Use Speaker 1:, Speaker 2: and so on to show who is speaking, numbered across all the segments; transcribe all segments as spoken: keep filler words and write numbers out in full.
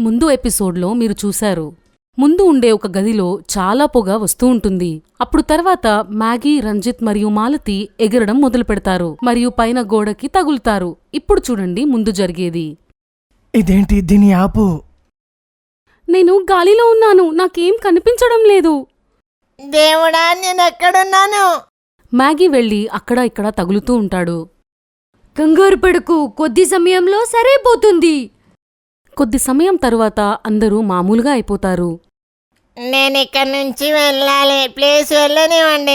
Speaker 1: ముందు ఎపిసోడ్లో మీరు చూశారు. ముందు ఉండే ఒక గదిలో చాలా పొగ వస్తూ ఉంటుంది. అప్పుడు తర్వాత మ్యాగీ, రంజిత్ మరియు మాలతి ఎగరడం మొదలు పెడతారు మరియు పైన గోడకి తగులుతారు. ఇప్పుడు చూడండి ముందు జరిగేది.
Speaker 2: ఇదేంటి, దీని ఆపు.
Speaker 1: నేను గాలిలో ఉన్నాను, నాకేం కనిపించడం లేదు.
Speaker 3: దేవుడా, నేనెక్కడున్నాను?
Speaker 1: మ్యాగీ వెళ్లి అక్కడ ఇక్కడ తగులుతూ ఉంటాడు.
Speaker 4: కంగారు పడకు, కొద్ది సమయంలో సరైపోతుంది.
Speaker 1: కొద్ది సమయం తరువాత అందరూ మామూలుగా అయిపోతారు.
Speaker 3: నేనిక్కడి నుంచి వెళ్ళాలి, ప్లీజ్ వెళ్ళనివ్వండి.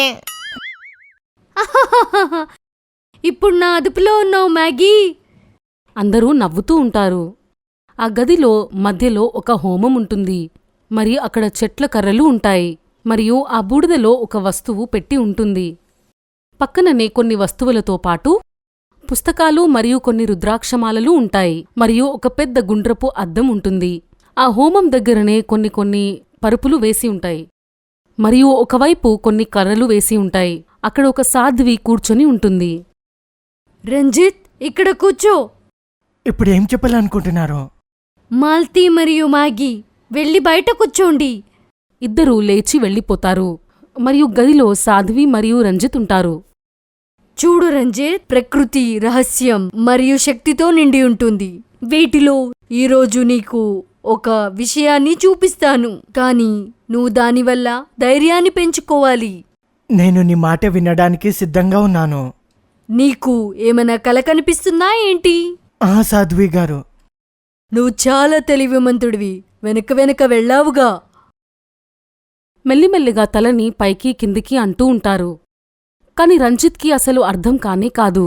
Speaker 4: ఇప్పుడు నా అదుపులో ఉన్నావు మ్యాగీ.
Speaker 1: అందరూ నవ్వుతూ ఉంటారు. ఆ గదిలో మధ్యలో ఒక హోమం ఉంటుంది. మరి అక్కడ చెట్ల కర్రలు ఉంటాయి. మరియు ఆ బూడిదలో ఒక వస్తువు పెట్టి ఉంటుంది. పక్కననే కొన్ని వస్తువులతో పాటు పుస్తకాలు మరియు కొన్ని రుద్రాక్షమాలలు ఉంటాయి. మరియు ఒక పెద్ద గుండ్రపు అద్దం ఉంటుంది. ఆ హోమం దగ్గరనే కొన్ని కొన్ని పరుపులు వేసి ఉంటాయి. మరియు ఒకవైపు కొన్ని కర్రలు వేసి ఉంటాయి. అక్కడ ఒక సాధ్వి కూర్చొని ఉంటుంది.
Speaker 4: రంజిత్, ఇక్కడ కూర్చో.
Speaker 2: ఇప్పుడు ఏం చెప్పాలనుకుంటున్నారు?
Speaker 4: మాల్తీ మరియు మ్యాగీ వెళ్ళి బయట కూర్చోండి.
Speaker 1: ఇద్దరూ లేచి వెళ్ళిపోతారు. మరియు గదిలో సాధ్వి మరియు రంజిత్ ఉంటారు.
Speaker 4: చూడు రంజిత్, ప్రకృతి రహస్యం మరియు శక్తితో నిండి ఉంటుంది. వీటిలో ఈరోజు నీకు ఒక విషయాన్ని చూపిస్తాను, కానీ నువ్వు దానివల్ల ధైర్యాన్ని పెంచుకోవాలి.
Speaker 2: నేను నీ మాట వినడానికి సిద్ధంగా ఉన్నాను.
Speaker 4: నీకు ఏమైనా కల కనిపిస్తుందా ఏంటి?
Speaker 2: ఆ సాధ్వి గారు,
Speaker 4: నువ్వు చాలా తెలివిమంతుడివి. వెనక వెనక వెళ్ళావుగా.
Speaker 1: మెల్లిమెల్లిగా తలని పైకి కిందికి అంటూ ఉంటారు. కాని రంజిత్కి అసలు అర్థం కానే కాదు.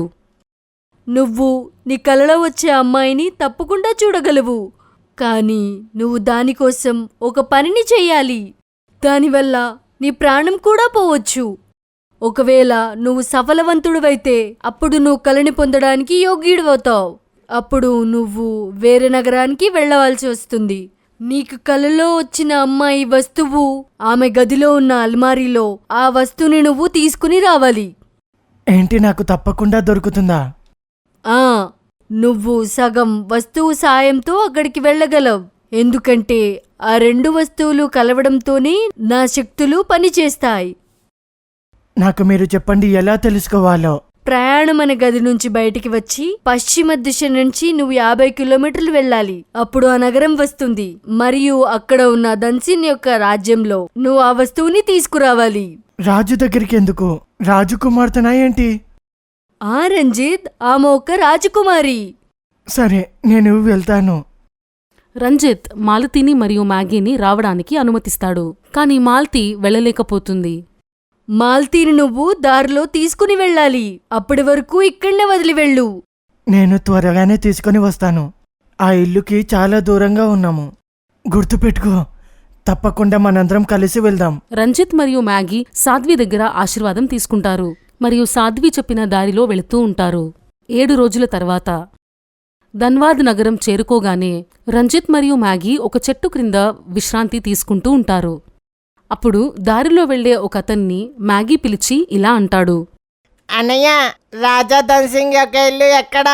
Speaker 4: నువ్వు నీ కలలో వచ్చే అమ్మాయిని తప్పకుండా చూడగలవు, కానీ నువ్వు దానికోసం ఒక పనిని చెయ్యాలి. దానివల్ల నీ ప్రాణం కూడా పోవచ్చు. ఒకవేళ నువ్వు సఫలవంతుడివైతే అప్పుడు నువ్వు కలని పొందడానికి యోగ్యుడివవుతావు. అప్పుడు నువ్వు వేరే నగరానికి వెళ్ళవలసి వస్తుంది. నీకు కలలో వచ్చిన అమ్మాయి వస్తువు ఆమె గదిలో ఉన్న అల్మారీలో ఆ వస్తువుని నువ్వు తీసుకుని రావాలి.
Speaker 2: ఏంటి, నాకు తప్పకుండా దొరుకుతుందా?
Speaker 4: ఆ నువ్వు సగం వస్తువు సాయంతో అక్కడికి వెళ్ళగలవు. ఎందుకంటే ఆ రెండు వస్తువులు కలవడంతోనే నా శక్తులు పనిచేస్తాయి.
Speaker 2: నాకు మీరు చెప్పండి, ఎలా తెలుసుకోవాలో.
Speaker 4: ప్రయాణం అనే గది నుంచి బయటికి వచ్చి పశ్చిమ దిశ నుంచి నువ్వు యాభై కిలోమీటర్లు వెళ్ళాలి. అప్పుడు ఆ నగరం వస్తుంది మరియు అక్కడ ఉన్న దన్సిన్ యొక్క రాజ్యంలో నువ్వు ఆ వస్తువుని తీసుకురావాలి.
Speaker 2: రాజు దగ్గరికి ఎందుకు? రాజకుమార్తెనా ఏంటి?
Speaker 4: ఆ రంజిత్, ఆమె ఒక రాజకుమారి.
Speaker 2: సరే, నేను వెళ్తాను.
Speaker 1: రంజిత్ మాలతిని మరియు మ్యాగీని రావడానికి అనుమతిస్తాడు. కాని మాల్తీ వెళ్ళలేకపోతుంది.
Speaker 4: మాల్తీని నువ్వు దారిలో తీసుకుని వెళ్ళాలి. అప్పటి వరకు ఇక్కడనే వదిలి వెళ్ళు.
Speaker 2: నేను త్వరగానే తీసుకొని వస్తాను. ఆ ఇల్లుకి చాలా దూరంగా ఉన్నాము. గుర్తుపెట్టుకో, తప్పకుండా మనందరం కలిసి వెళ్దాం.
Speaker 1: రంజిత్ మరియు మ్యాగీ సాధ్వి దగ్గర ఆశీర్వాదం తీసుకుంటారు మరియు సాధ్వి చెప్పిన దారిలో వెళుతూ ఉంటారు. ఏడు రోజుల తర్వాత ధన్వాద్ నగరం చేరుకోగానే రంజిత్ మరియు మ్యాగీ ఒక చెట్టు క్రింద విశ్రాంతి తీసుకుంటూ ఉంటారు. అప్పుడు దారిలో వెళ్లే ఒక అతన్ని మ్యాగీ పిలిచి ఇలా అంటాడు.
Speaker 3: అన్నయ్య, రాజా ధన్సింగ్ యొక్క ఇల్లు ఎక్కడా?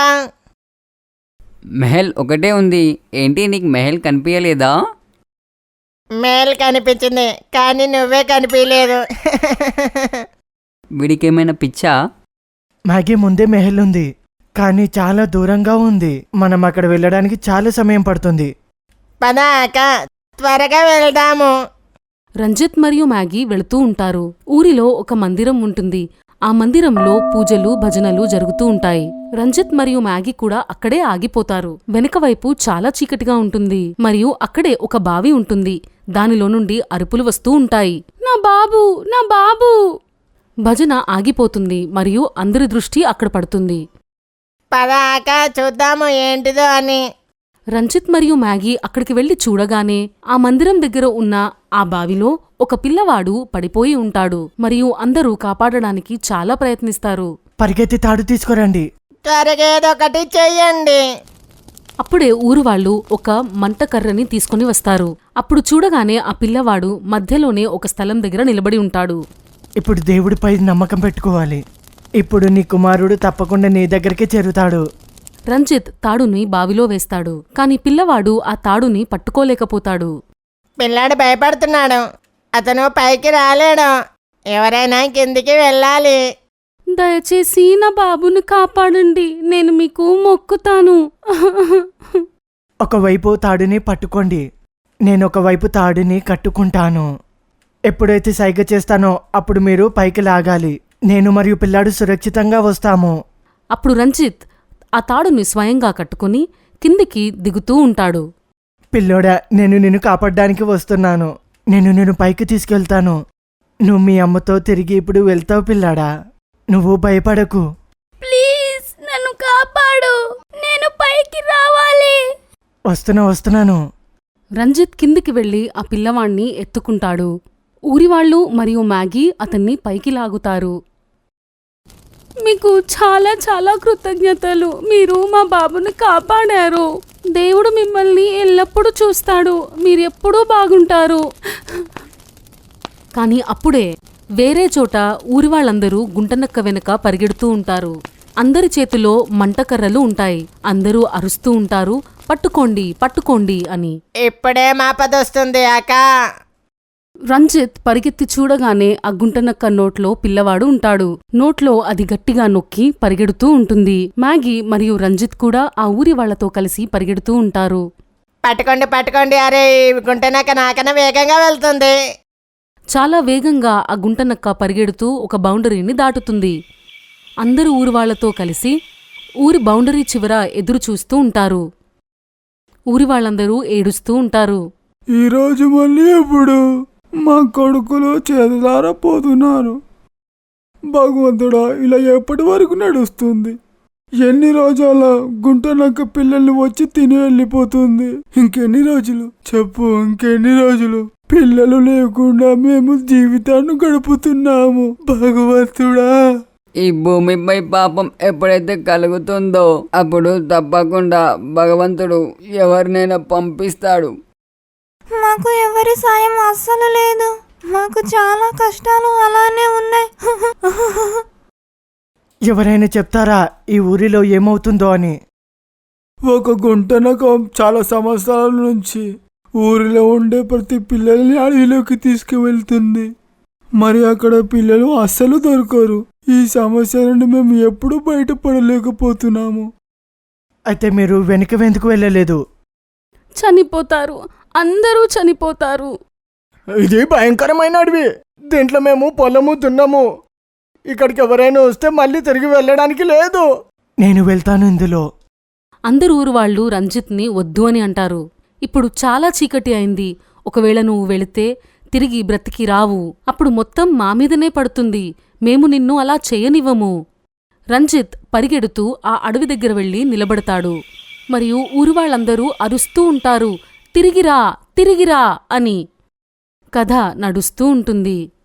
Speaker 5: మెహల్ ఒకటే ఉంది. ఏంటి, నీకు మెహల్ కనిపించలేదా?
Speaker 3: మేల్ కనిపించింది, కానీ నువ్వే కనిపించలేదు.
Speaker 5: వీడికేమైనా పిచ్చా?
Speaker 2: మ్యాగీ, ముందే మెహల్ ఉంది, కానీ చాలా దూరంగా ఉంది. మనం అక్కడ వెళ్ళడానికి చాలా సమయం పడుతుంది.
Speaker 3: పద అక్క, త్వరగా వెళ్దాము.
Speaker 1: రంజిత్ మరియు మ్యాగీ వెళుతూ ఉంటారు. ఊరిలో ఒక మందిరం ఉంటుంది. ఆ మందిరంలో పూజలు, భజనలు జరుగుతూ ఉంటాయి. రంజిత్ మరియు మ్యాగీ కూడా అక్కడే ఆగిపోతారు. వెనకవైపు చాలా చీకటిగా ఉంటుంది మరియు అక్కడే ఒక బావి ఉంటుంది. దానిలో నుండి అరుపులు వస్తూ ఉంటాయి. నా బాబు, నా బాబు! భజన ఆగిపోతుంది మరియు అందరి దృష్టి అక్కడ పడుతుంది.
Speaker 3: పద అక్క, చూద్దాము ఏంటిదో అని.
Speaker 1: రంజిత్ మరియు మ్యాగీ అక్కడికి వెళ్లి చూడగానే ఆ మందిరం దగ్గర ఉన్న ఆ బావిలో ఒక పిల్లవాడు పడిపోయి ఉంటాడు మరియు అందరూ కాపాడడానికి చాలా ప్రయత్నిస్తారు.
Speaker 2: పరిగెత్తి తాడు తీసుకురండి.
Speaker 3: త్వరగా ఏదో ఒకటి చెయ్యండి.
Speaker 1: అప్పుడే ఊరువాళ్లు ఒక మంటకర్రని తీసుకుని వస్తారు. అప్పుడు చూడగానే ఆ పిల్లవాడు మధ్యలోనే ఒక స్థలం దగ్గర నిలబడి ఉంటాడు.
Speaker 2: ఇప్పుడు దేవుడిపై నమ్మకం పెట్టుకోవాలి. ఇప్పుడు నీ కుమారుడు తప్పకుండా నీ దగ్గరికి చేరుతాడు.
Speaker 1: రంజిత్ తాడుని బావిలో వేస్తాడు. కాని పిల్లవాడు ఆ తాడుని పట్టుకోలేకపోతాడు.
Speaker 3: పిల్లాడు భయపడుతున్నాడు. అతను పైకి రాలేడు. ఎవరైనా కిందికి వెళ్ళాలి.
Speaker 1: దయచేసి నా బాబుని కాపాడండి, నేను మీకు మొక్కుతాను.
Speaker 2: ఒకవైపు తాడుని పట్టుకోండి, నేను ఒకవైపు తాడుని కట్టుకుంటాను. ఎప్పుడైతే సైగ చేస్తానో అప్పుడు మీరు పైకి లాగాలి. నేను మరియు పిల్లాడు సురక్షితంగా వస్తాము.
Speaker 1: అప్పుడు రంజిత్ ఆ తాడుని స్వయంగా కట్టుకుని కిందికి దిగుతూ ఉంటాడు.
Speaker 2: పిల్లోడా, నేను నిన్ను కాపాడడానికి వస్తున్నాను. నేను నిన్ను పైకి తీసుకెళ్తాను. నువ్వు మీ అమ్మతో తిరిగి ఇప్పుడు వెళ్తావు పిల్లాడా. నువ్వు భయపడకు.
Speaker 4: ప్లీజ్ నన్ను కాపాడు, నేను పైకి రావాలి.
Speaker 2: వస్తున్నా వస్తున్నాను.
Speaker 1: రంజిత్ కిందికి వెళ్లి ఆ పిల్లవాణ్ణి ఎత్తుకుంటాడు. ఊరివాళ్లు మరియు మ్యాగీ అతన్ని పైకి లాగుతారు. మీకు చాలా చాలా కృతజ్ఞతలు, మీరు మా బాబుని కాపాడారు. దేవుడు మిమ్మల్ని ఎల్లప్పుడూ చూస్తాడు, మీరెప్పుడూ బాగుంటారు. కాని అప్పుడే వేరే చోట ఊరివాళ్ళందరూ గుంటనక్క వెనుక పరిగెడుతూ ఉంటారు. అందరి చేతిలో మంటకర్రలు ఉంటాయి. అందరూ అరుస్తూ ఉంటారు, పట్టుకోండి పట్టుకోండి అని.
Speaker 3: ఇప్పుడే మాపదొస్తుంది అక్క.
Speaker 1: రంజిత్ పరిగెత్తి చూడగానే ఆ గుంటనక్క నోట్లో పిల్లవాడు ఉంటాడు. నోట్లో అది గట్టిగా నొక్కి పరిగెడుతూ ఉంటుంది. మ్యాగీ మరియు రంజిత్ కూడా ఆ ఊరి వాళ్లతో కలిసి పరిగెడుతూ ఉంటారు.
Speaker 3: పట్టుకోండి పట్టుకోండి, అరే ఈ గుంటనక్క నాకన్నా వేగంగా వెళ్తుంది.
Speaker 1: చాలా వేగంగా ఆ గుంటనక్క పరిగెడుతూ ఒక బౌండరీని దాటుతుంది. అందరూ ఊరి వాళ్లతో కలిసి ఊరి బౌండరీ చివర ఎదురు చూస్తూ ఉంటారు. ఊరి వాళ్ళందరూ ఏడుస్తూ ఉంటారు.
Speaker 6: ఈరోజు మళ్ళీ ఎప్పుడు మా కొడుకులు చేతులారపోతున్నారు. భగవంతుడా, ఇలా ఎప్పటి వరకు నడుస్తుంది? ఎన్ని రోజుల గుంటనక్క పిల్లల్ని వచ్చి తిని వెళ్ళిపోతుంది. ఇంకెన్ని రోజులు చెప్పు, ఇంకెన్ని రోజులు? పిల్లలు లేకుండా మేము జీవితాన్ని గడుపుతున్నాము. భగవంతుడా,
Speaker 5: ఈ భూమిపై పాపం ఎప్పుడైతే కలుగుతుందో అప్పుడు తప్పకుండా భగవంతుడు ఎవరినైనా పంపిస్తాడు.
Speaker 7: మాకు ఎవరి సాయం అస్సలు లేదు. మాకు చాలా కష్టాలు అలానే ఉన్నాయి.
Speaker 2: ఎవరైనా చెప్తారా ఈ ఊరిలో ఏమవుతుందో అని?
Speaker 6: ఒక గుంటనక చాలా సంవత్సరాల నుంచి ఊరిలో ఉండే ప్రతి పిల్లల్ని అడవిలోకి తీసుకువెళ్తుంది. మరి అక్కడ పిల్లలు అస్సలు దొరకరు. ఈ సమస్య నుండి మేము ఎప్పుడూ బయటపడలేకపోతున్నాము.
Speaker 2: అయితే మీరు వెనుక వెందుకు వెళ్ళలేదు?
Speaker 1: చనిపోతారు, అందరూ చనిపోతారు.
Speaker 2: ఇది భయంకరమైన అడవి. దీంట్లో మేము పొలము దున్నాము. ఇక్కడికి ఎవరైనా వస్తే మళ్ళీ తిరిగి వెళ్ళడానికి లేదు. నేను వెళ్తాను ఇందులో.
Speaker 1: అందరు ఊరు వాళ్ళు రంజిత్ని వద్దు అని అంటారు. ఇప్పుడు చాలా చీకటి అయింది. ఒకవేళ నువ్వు వెళితే తిరిగి బ్రతికి రావు. అప్పుడు మొత్తం మా మీదనే పడుతుంది. మేము నిన్ను అలా చేయనివ్వము. రంజిత్ పరిగెడుతూ ఆ అడవి దగ్గర వెళ్లి నిలబడతాడు. మరియు ఊరివాళ్లందరూ అరుస్తూ ఉంటారు, తిరిగిరా తిరిగిరా అని. కథ నడుస్తూ ఉంటుంది.